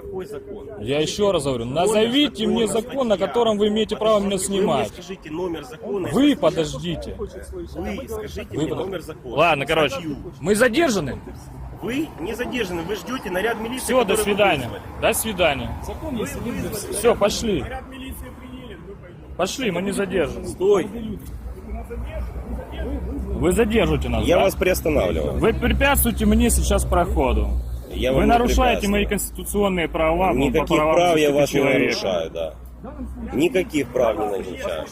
Какой закон? Я еще раз говорю, назовите мне закон, на котором вы имеете право меня Вы снимать. мне скажите номер закона. Вы подождите. Вы скажите мне номер закона. Ладно, короче, Статью. мы задержаны. Вы не задержаны, вы ждете наряд милиции. Все, до который вы свидания. вызвали. До свидания. Закон есть, Все, пошли. наряд милиции приняли, мы пойдем. Пошли, мы не задержаны. Стой! Вы задержите нас, Я да? вас приостанавливаю. Вы препятствуете мне сейчас проходу. Я вам Вы не нарушаете мои препятствую. конституционные права. Никаких по правам прав я вас не человека. нарушаю, да. Никаких прав не нарушаю.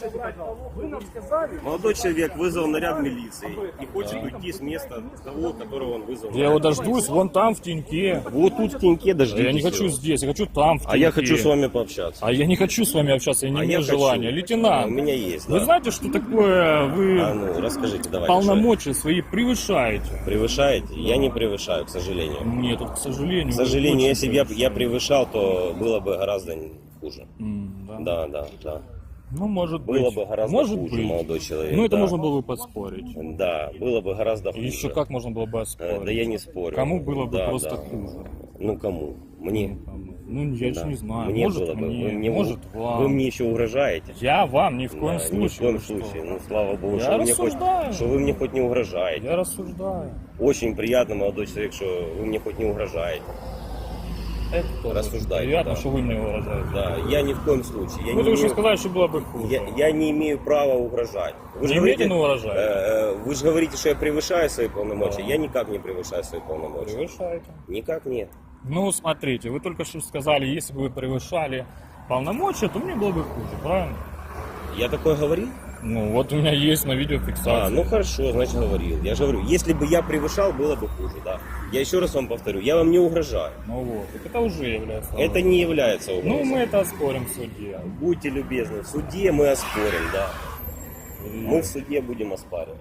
Молодой человек вызвал наряд милиции и хочет уйти с места того, которого он вызвал. Я его дождусь вон там, в теньке. Вот тут в теньке дождитесь. Я не хочу его. здесь, я хочу там, в теньке. А я хочу с вами пообщаться. А я не хочу с вами общаться, я не А имею я хочу. желания. У Лейтенант, меня есть, вы да. знаете, что такое вы А ну, расскажите, давайте. полномочия свои превышаете? что. Превышаете? Я не превышаю, к сожалению. Нет, тут, к сожалению. К вы сожалению, очень если бы я превышал, то было бы гораздо хуже. Да. Да. Ну, может Было быть. бы гораздо может хуже, быть. молодой человек. Ну, это да. можно было бы поспорить. Да, было бы гораздо И хуже. еще как можно было бы оспорить? Да я не спорю. Кому было бы Да, просто да. хуже? Ну, кому? Мне? Ну, я еще Да. не знаю. Мне Может, было бы. мне, может, вам. Вы мне еще угрожаете? Я вам ни в коем Да, случае. ни в коем вы что? случае. Ну, слава богу, Я что вы, мне рассуждаю. что вы мне хоть не угрожаете. Я рассуждаю. Очень приятно, молодой человек, что вы мне хоть не угрожаете. Это тоже Рассуждайте, приятно, да. что вы мне выражаете. Да, я ни в коем случае. Я Вы не только что имею- сказали, что было бы хуже. Я не имею права угрожать. Вы же Не имеете, но говорите, угрожаете? вы же говорите, что я превышаю свои полномочия. Да. Я никак не превышаю свои полномочия. Превышаете. Никак нет. Ну, смотрите, вы только что сказали, если бы вы превышали полномочия, то мне было бы хуже, правильно? Я такое говорил? Ну, вот у меня есть на видеофиксации. Ну хорошо, значит говорил. Я же говорю, если бы я превышал, было бы хуже, да. Я еще раз вам повторю, я вам не угрожаю. Ну вот, так это уже является... Это не является угрозой. Ну, мы это оспорим в суде. Будьте любезны, в суде мы оспорим, да. Мы в суде будем оспаривать.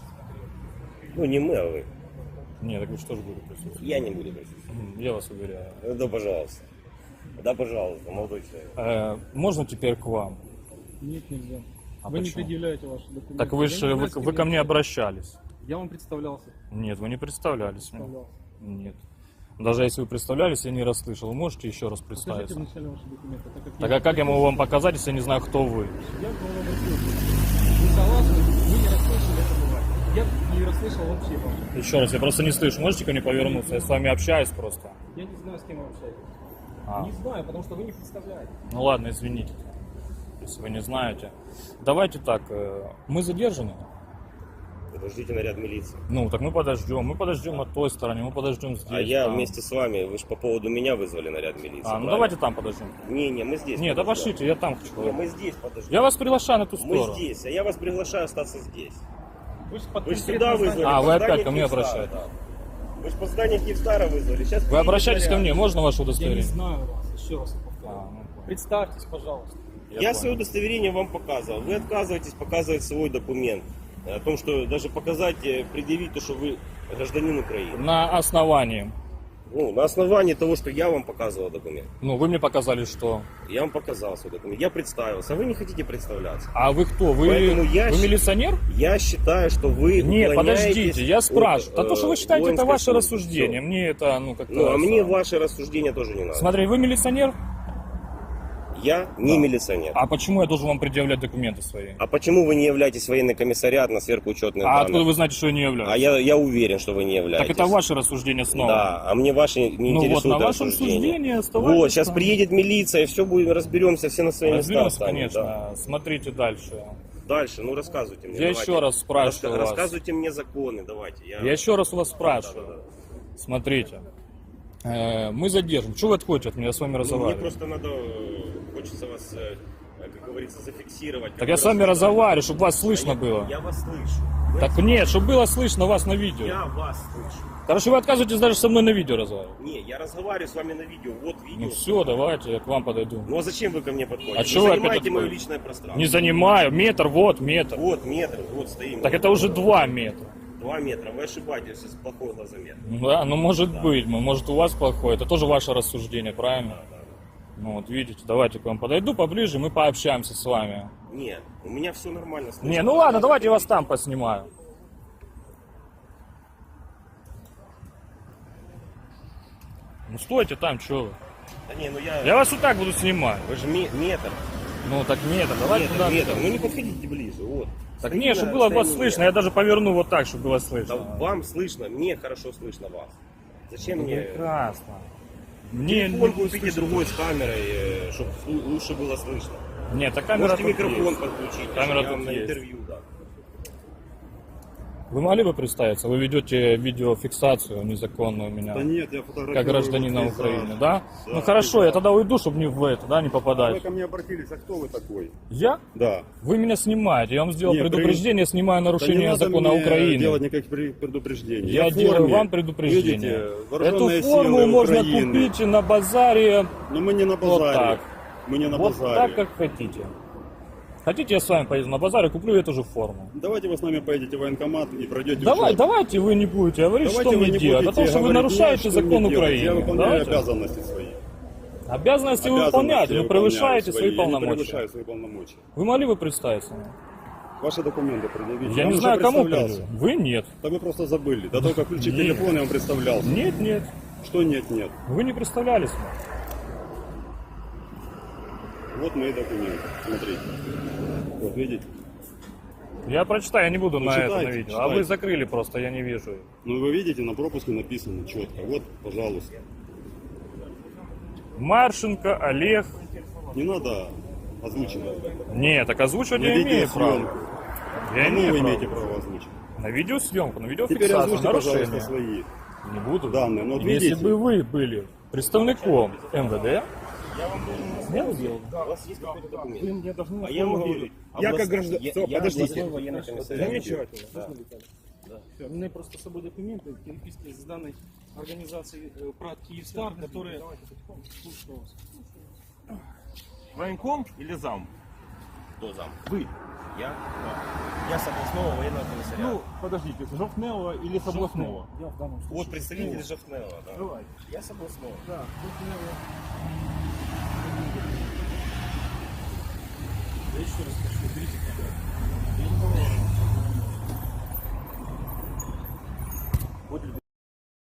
Ну не мы, а вы. Нет, так вы что же будете присутствовать? Я не буду присутствовать. Я вас уверяю. Да, пожалуйста. Да, пожалуйста, молодой человек. Можно теперь к вам? Нет, нельзя. А Вы не почему? предъявляете ваши документы. Так вы Я же не вы, знаю, с кем вы ко я мне обращались. Я вам представлялся. Нет, вы не представлялись мне. Представлялся. Нет. Даже если вы представлялись, я не расслышал. Вы можете еще раз Покажите представиться? вначале ваши документы. Так а как я могу вам показать, если я не знаю, кто вы? Я к вам обратился. Вы согласны? Вы не расслышали это бывает. Я не расслышал вообще вас. Еще раз, я просто не слышу. Можете ко мне повернуться? Я с вами общаюсь просто. Я не знаю, с кем вы общаетесь. А. Не знаю, потому что вы не представляете. Ну ладно, извините, если вы не знаете. Давайте так, мы задержаны. Подождите наряд милиции. Ну, так мы подождем на той стороне, мы подождем здесь. А я там. вместе с вами, вы же по поводу меня вызвали наряд милиции. Ну правильно? давайте там подождем. Не, мы здесь. Нет, да подождем. пошлите, я там хочу. Не, мы здесь подождем. Я вас приглашаю на ту Мы сторону. здесь, а я вас приглашаю остаться здесь. Вы же под Вы же конкретное сюда здание. вызвали. А, под вы опять здание ко мне Киевстара, обращаетесь? да. Вы же по зданию Киевстара вызвали. Сейчас Вы обращайтесь ко наряд. мне, можно ваше Я не удостоверение? знаю вас. Еще раз повторю. Ну, Представьтесь, пожалуйста. Я свое удостоверение вам показывал. Вы отказываетесь показывать свой документ. О том, что даже показать, предъявить то, что вы гражданин Украины. на основании. Ну, на основании того, что я вам показывал документ. Ну, вы мне показали, что... Я вам показал свой документ. Я представился, а вы не хотите представляться. А вы кто? Вы, Поэтому я вы щ- милиционер? Я считаю, что вы Нет, уклоняетесь подождите, я спрашиваю. от, А то, что вы считаете, это воинской ваше службы. рассуждение. Всё. Мне это, ну, как-то... Ну, а мне самое. ваши рассуждения тоже не надо. Смотри, вы милиционер? Я не милиционер. А почему я должен вам предъявлять документы свои? А почему вы не являетесь военный комиссариат на сверхучетных А данных? откуда вы знаете, что я не являюсь? А я уверен, что вы не являетесь. Так это ваше рассуждение снова. Да, а мне ваши не Ну вот, интересуют на вашем рассуждения. суждении оставайтесь Вот, сейчас там. приедет милиция, и все будем, разберемся, все на свои места Разберемся, встанем, конечно. да. Смотрите дальше. Дальше, ну рассказывайте мне. Я давайте. еще раз спрашиваю вас. Рассказывайте мне законы, давайте. Я еще раз у вас спрашиваю. Да. Смотрите. Мы задержим. Чего вы отходите от меня? Я с вами Ну, мне разговариваю. просто надо, хочется вас, как говорится, зафиксировать. Так я с вами разговариваю, чтобы вас слышно было. Я вас слышу. Вы Так нет, чтобы было слышно вас на видео. Я вас слышу. Короче, вы отказываетесь даже со мной на видео разговаривать. Не, я разговариваю с вами на видео. Вот видео. Ну все, давайте, я к вам подойду. Ну а зачем вы ко мне подходите? А Вы чего вы опять занимаете мое отходите? личное пространство. Не занимаю. Метр, вот метр. Вот метр, вот стоим. Так это уже 2 метра. 2 метра. Вы ошибаетесь, с плохой глазомер. Да, ну может быть, может у вас плохое. Это тоже ваше рассуждение, правильно? Ну вот видите, давайте к вам подойду поближе, мы пообщаемся с вами. Нет, у меня все нормально. слышно. Не, ну ладно, давайте я вас там поснимаю. Ну стойте там, что вы? Да не, ну Я вас вот так буду снимать. Вы же метр. Ну так нет, давайте Метр, туда. метр. Ну не подходите ближе, вот. Так Стоите нет, на чтобы было вас расстоянии слышно. Я даже поверну вот так, чтобы было Да слышно. вам слышно, мне хорошо слышно вас. Зачем мне... Прекрасно. Мне Телефон не будет купите слышно. другой с камерой, чтобы лучше было слышно. Нет, а камера Можете тут микрофон есть. подключить, Камера я вам тут на есть. интервью дам. Вы могли бы представиться? Вы ведете видеофиксацию незаконную у меня. Да нет, я фотографирую. Как гражданина пейзаж. Украины, да? Да, Ну хорошо, пейзаж. я тогда уйду, чтобы не в это, да, не А вы попадать. ко мне обратились, а кто вы такой? Я? Да. Вы меня снимаете, я вам сделал Нет, предупреждение, снимаю Да не нарушение надо закона мне Украины. делать никаких предупреждений. Я в делаю форме. вам предупреждение. Видите, Эту вооруженные форму силы можно Украины. купить на базаре Но мы не на вот базаре. так. Мы не на Вот базаре. так, как хотите. Хотите, я с вами поеду на базар и куплю эту же форму. Давайте вы с нами поедете в военкомат и пройдете учет. Давайте вы не будете говорить, Давайте что вы мне не делать. будете Потому что вы говорить нарушаете мне, что закон мне делать. Я Украины. выполняю Давайте. обязанности свои. Обязанности вы выполняете, вы выполняю превышаете свои Я не полномочия. превышаю свои полномочия. Вы могли бы представиться мне? Ваши документы предъявите. Я вам не уже знаю, кому представлялся. придет. Вы нет. Да вы просто забыли. Да только включить Нет. телефон, я вам представлялся. Нет. Что нет. Вы не представлялись мне. Вот мои документы. Смотрите. Вот видите? Я прочитаю, я не буду на читайте, это на видео. А читайте. вы закрыли просто, я не вижу. Ну вы видите, на пропуске написано четко. Вот, пожалуйста. Маршенко Олег. Не надо озвучивать. Нет, так озвучивать На я имею право. видеосъемку. Я Кому вы имею имеете право. право озвучить? На видеосъемку, на Теперь видеофиксацию, озвучьте, пожалуйста, нарушение. свои. Не буду. данные. Ну, вот Если видите? бы вы были представником МВД, я бы делал. У вас есть какой-то документ? Вы мне должны А я могу говорить. Я как гражданин. Все, подождите. областной военный комиссариат. Замечательно. Да. Все, у меня просто с собой документы, переписки с данной организацией ПРАТ Киевстар, которые... Слушаю вас. Военком или зам? Кто зам? Вы. Я? Я с областного военного комиссариата. Ну, подождите, с Жовтнева или с областного? Я в данном случае. Вот представитель Жовтнева, да. Давай. Я с областного. Да, Жовтнева. Я еще раз скажу, берите камеру.